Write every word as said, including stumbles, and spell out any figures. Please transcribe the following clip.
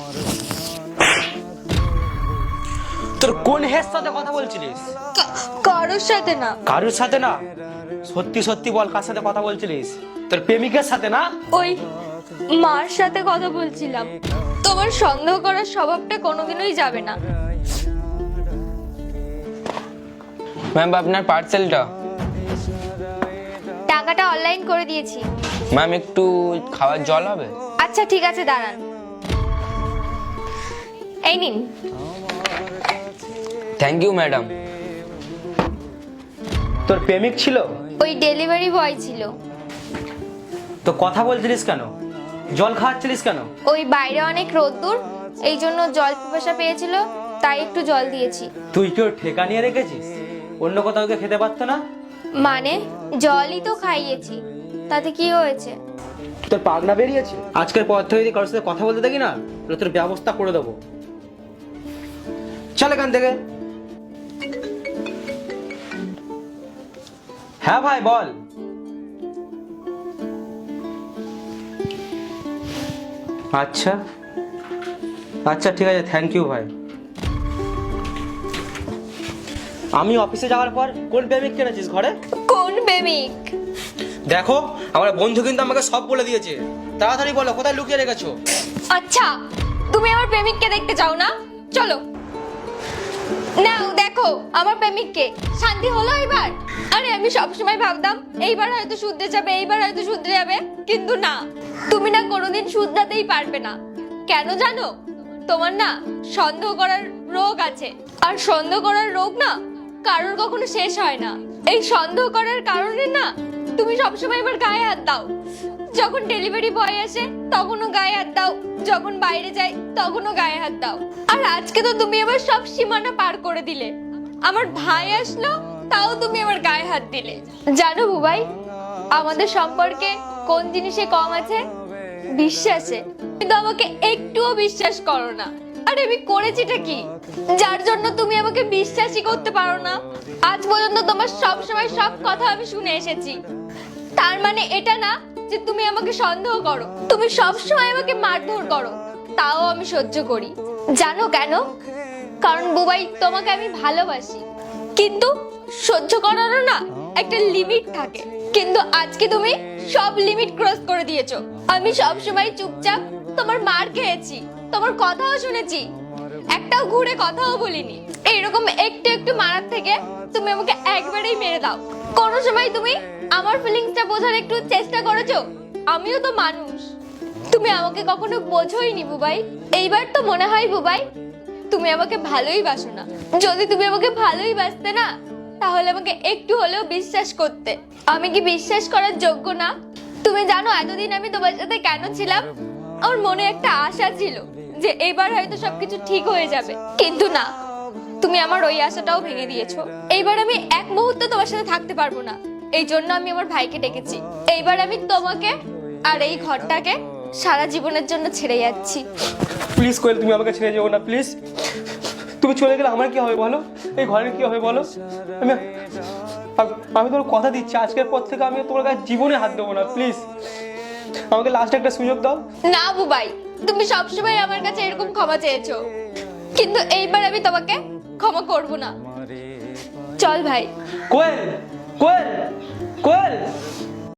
তোর কোন হের সাথে কথা বলছিলিস? কারোর সাথে না। কারোর সাথে না? সত্যি সত্যি বল, কার সাথে কথা বলছিলিস? তোর প্রেমিকের সাথে না? ওই মার সাথে কথা বলছিলাম। তোমার সন্দেহ করার স্বভাবটা কোনোদিনই যাবে না। ম্যাম আপনার পার্সেলটা। টাকাটা অনলাইন করে দিয়েছি। ম্যাম একটু খাওয়ার জল হবে? আচ্ছা ঠিক আছে, দাঁড়ান। এই নিন। Thank you madam. তোর প্রেমিক ছিল? ওই ডেলিভারি বয় ছিল। তো কথা বলছিলিস কেন? জল খাওয়াচ্ছিলিস কেন? ওই বাইরে অনেক রোদ্দুর, এই জন্য জল পিপাসা পেয়েছিল, তাই একটু জল দিয়েছি। তুই কি ওর ঠেকা নিয়ে রেখেছিস? অন্য কোথাও গিয়ে খেতে পারতো না? মানে জলই তো খাইয়েছি, তাতে কি হয়েছে? তোর পাগনা বেরিয়েছে? আজকের পর থেকে যদি কারোর সাথে কথা বলতে দেখি না, তাহলে তোর ব্যবস্থা করে দেবো। চল এখান থেকে। হ্যাঁ ভাই বল। আচ্ছা আচ্ছা ঠিক আছে, থ্যাংক ইউ ভাই। আমি অফিসে যাওয়ার পর কোন প্রেমিক কিনেছিস ঘরে? কোন প্রেমিক? দেখো আমার বন্ধু কিন্তু আমাকে সব বলে দিয়েছে। তাড়াতাড়ি বলো কোথায় লুকিয়ে রেখেছো? আচ্ছা, তুমি আমার প্রেমিককে দেখতে চাও না? চলো নাও দেখো আমার প্রেমিককে। শান্তি হলো এবার? আরে আমি সবসময় ভাবতাম এইবার হয়তো শুধরে যাবে, এইবার হয়তো শুধরে যাবে, কিন্তু না, তুমি না কোনোদিন শুধরাতেই পারবে না। কেন জানো? তোমার না সন্দেহ করার রোগ আছে, আর সন্দেহ করার রোগ না কারোর কখনো শেষ হয় না। এই সন্দেহ করার কারণে না তুমি সবসময় এবার গায়ে হাত দাও। যখন ডেলিভারি বয় আসে তখনও গায়ে হাত দাও, যখন বাইরে যাই তখনও গায়ে হাত দাও। আর আজকে তো তুমি আবার সব সীমানা পার করে দিলে। আমার ভাই আসলো, তাও তুমি আমার গায়ে হাত দিলে। জানো বুবাই, আমাদের সম্পর্কে কোন জিনিসে কম আছে? বিশ্বাসে। কিন্তু আমাকে একটুও বিশ্বাস করো না। আরে আমি করেছিটা কি যার জন্য তুমি আমাকে বিশ্বাসই করতে পারো না? আজ পর্যন্ত তোমার সব সময় সব কথা আমি শুনে এসেছি। তার মানে এটা না যে তুমি আমাকে সন্দেহ করো। তুমি সব সময় আমাকে মারধর করো, তাও আমি সহ্য করি। জানো কেন? কারণ বুবাই তোমাকে আমি ভালোবাসি। কিন্তু সহ্য করারও না একটা লিমিট থাকে। কিন্তু আজকে তুমি সব লিমিট ক্রস করে দিয়েছো। আমি সব সময় চুপচাপ তোমার মার খেয়েছি, তোমার কথাও শুনেছি, একটাও ঘুরে কথাও বলিনি। এইরকম একটু একটু মারার থেকে তুমি আমাকে একবারেই মেরে দাও। কোনো সময় তুমি আমার ফিলিংসটা বোঝার একটু চেষ্টা করেছো? আমিও তো মানুষ। তুমি আমাকে কখনো বোঝোইনি বুবাই। এইবার তো মনে হয় বুবাই তুমি আমাকে ভালোই বাসো না। যদি তুমি আমাকে ভালোই বাসতে না, তাহলে আমাকে একটু হলেও বিশ্বাস করতে। আমি কি বিশ্বাস করার যোগ্য না? তুমি জানো এতদিন আমি তোমার সাথে কেন ছিলাম? আমার মনে একটা আশা ছিল যে এবার হয়তো সবকিছু ঠিক হয়ে যাবে, কিন্তু না, তুমি আমার ওই আশাটাও ভেঙে দিয়েছো। এইবার আমি এক মুহূর্ত তোমার সাথে থাকতে পারবো না, এই জন্য আমি আমার ভাইকে ডেকেছি। এইবার আমি তোমাকে আর এই ঘরটাকে সারা জীবনের জন্য ছেড়ে যাচ্ছি। প্লিজ কোয়েল, তুমি আমাকে ছেড়ে যেও না প্লিজ। তুমি চলে গেলে আমার কি হবে বলো? এই ঘরের কি হবে বলো? আমি আমি তোমার কথা দিচ্ছি, আজকের পর থেকে আমি তোমার কাছে জীবনে হাত দেবো না। প্লিজ আমাকে লাস্ট একটা সুযোগ দাও। না বুবাই, তুমি সবসময় আমার কাছে এরকম ক্ষমা চেয়েছো, কিন্তু এইবার আমি তোমাকে ক্ষমা করব না। চল ভাই। কোয়েল, কোয়েল, কোয়েল।